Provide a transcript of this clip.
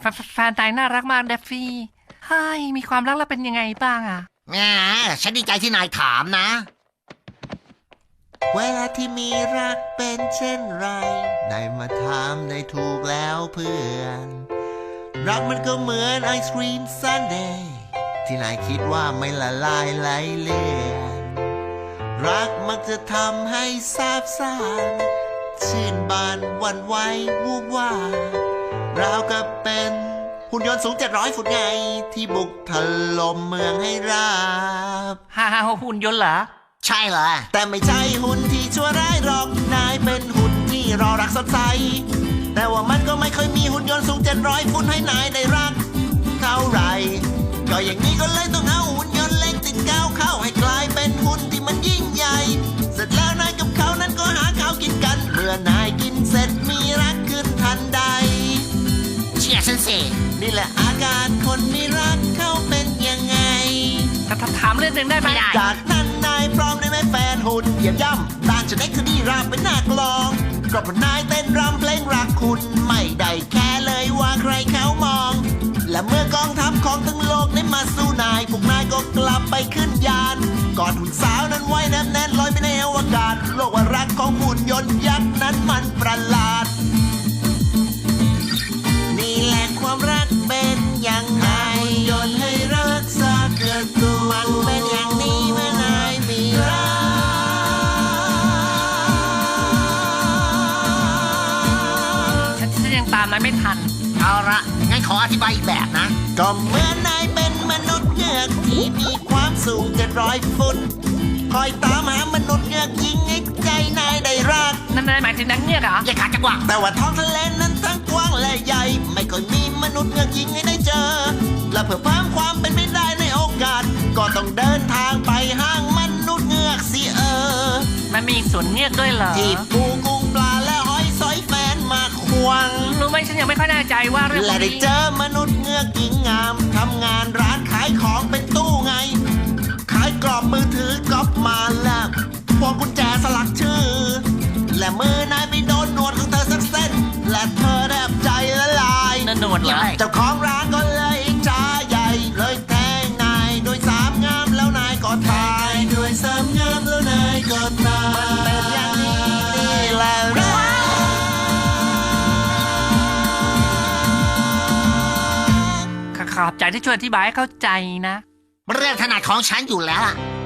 แฟนนายน่ารักมากเดฟฟี่เฮ้ยมีความรักแล้วเป็นยังไงบ้างอ่ะแหมฉันดีใจที่นายถามนะเวลาที่มีรักเป็นเช่นไรได้มาถามได้ถูกแล้วเพื่อน รักมันก็เหมือนไอศครีมซันเดย์ที่นายคิดว่าไม่ละลายไหลเลื่อนรักมักจะทำให้ซาบซ่านชื่นบานหวันไหววูบวาราวกับเป็นหุ่นยนต์สูง700 ฟุตไงที่บุกถล่มเมืองให้ราบฮ่าหุ่นยนต์เหรอใช่เหรอแต่ไม่ใช่หุ่นที่ชั่วร้ายหรอกนายเป็นหุ่นที่รอรักสดใสแต่ว่ามันก็ไม่เคยมีหุ่นยนต์สูง700 ฟุตให้นายได้รักเท่าไหรก็อย่างนี้ก็เลยต้องเอาหุ่นยนต์เล็กติดก้าวเข้าให้กลายเป็นหุ่นที่มันยิ่งใหญ่เสร็จแล้วนายกับเขานั้นก็หาข้าวกินกันเมื่อนายกินเสร็จมีรักขึ้นทันใดเชื่อฉันสินี่แหละอาการคนมีรักเขาเป็นยังไงถามเรื่องหนึ่งได้ไหมไม่ได้จากนั้นนายพร้อมได้ไหมแฟนหุ่นเหยียบย่ำด้านจะได้คือดีรำเป็นหน้ากลองก็เพราะนายเต้นรำเพลงรักคุณไม่ได้แค่เลยว่าใครเขามอง และเมื่อกองทัพของทั้งโลกได้มาสู้นายพวกนายก็กลับไปขึ้นยานกอดหุ่นสาวนั้นไว้แน่นๆลอยไปในอวกาศโลกว่ารักของหุ่นยนต์ยักษ์นั้นมันประหลาดนี่แหละความรักเป็นยังไงหุ่นยนต์ให้รักษาเกิดตัวมันเป็นอย่างนี้เมื่อนายมีรักฉันยังตามนายไม่ทันเอาละงั้นขออธิบายอีกแบบนะก็เหมือนนายเป็นมนุษย์เงือกที่มีความสูง700 ฟุตคอยตามหามนุษย์เงือกยิงให้ใจนายได้รักนั่นนายหมายถึงนักเงือกเหรออย่าขาดจังหวะแต่ว่าท้องทะเลนั้นทั้งกว้างและใหญ่ไม่ค่อยมีมนุษย์เงือกยิงให้ได้เจอ และเพื่อเพิ่มความเป็นไปได้ในโอกาส ก็ต้องเดินทางไปห้างมนุษย์เงือกสิมันมีสวนเงือกด้วยเหรอที่ปูกุ้งปลาและหอยสอยแฟนมาควงรู้ไหมฉันยังไม่ค่อยแน่ใจว่าเรื่องพวและกได้นี้เจอมนุษย์เงือกหญิงงามทำงานร้านขายของเป็นตู้ไง ขายกรอบมือถือก๊อปมาแล้วพวงกุญแจสลักชื่อ และมือนายไปโดนหนวดของเธอสักเส้น และเธอแทบใจละลายนั่นหนวดเหรอเจ้าของร้านก็เลยจ้าใหญ่ เลยแทงนายด้วยสามงามแล้วนายก็ตายด้วยสามงามแล้วนายก็ตายมันเป็นอย่างนี้นี่แหละรักขอบใจที่ช่วยอธิบายให้เข้าใจนะเรื่องถนัดของฉันอยู่แล้วล่ะ